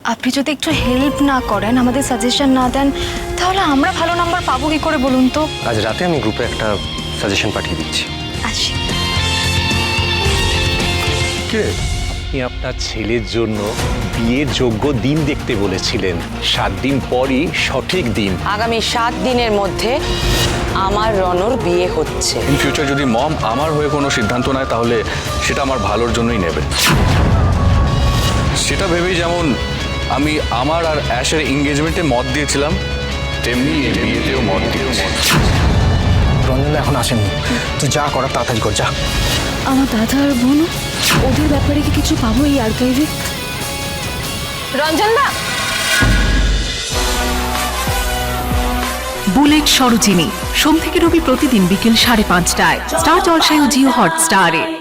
আপনি যদি একটু হেল্প না করেন, আমাদের সাজেশন না দেন, তাহলে আমরা ভালো নাম্বার পাবো কি করে বলুন তো? আজ রাতে আমি গ্রুপে একটা সাজেশন পাঠিয়ে দিচ্ছি। আচ্ছা, কে? আপনি আপনার ছেলের জন্য বিয়ের যোগ্য দিন দেখতে বলেছিলেন। 7 দিন পরই সঠিক দিন। আগামী 7 দিনের মধ্যে আমার রনর বিয়ে হচ্ছে। ইন ফিউচার যদি মম আমার হয়ে কোনো সিদ্ধান্ত নেয় তাহলে সেটা আমার ভালোর জন্যই নেবে। সেটা ভেবেই যেমন আমি আমার আর অ্যাশের এঙ্গেজমেন্টে মত দিয়েছিলাম, তেমনি এই বিয়েতেও মত দিয়েছি। রঞ্জনদা এখন আসেননি, তুই যা করার তাড়াতাড়ি কর, যা। আমার দাদা আর বোন, ওদের ব্যাপারে কি কিছু পাবো এই আর্কাইভে? রঞ্জন দা, বুলেট সরোজিনী সোম থেকে রবি প্রতিদিন বিকেল 5:30টায় স্টার জলসায় ও জিও হটস্টারে।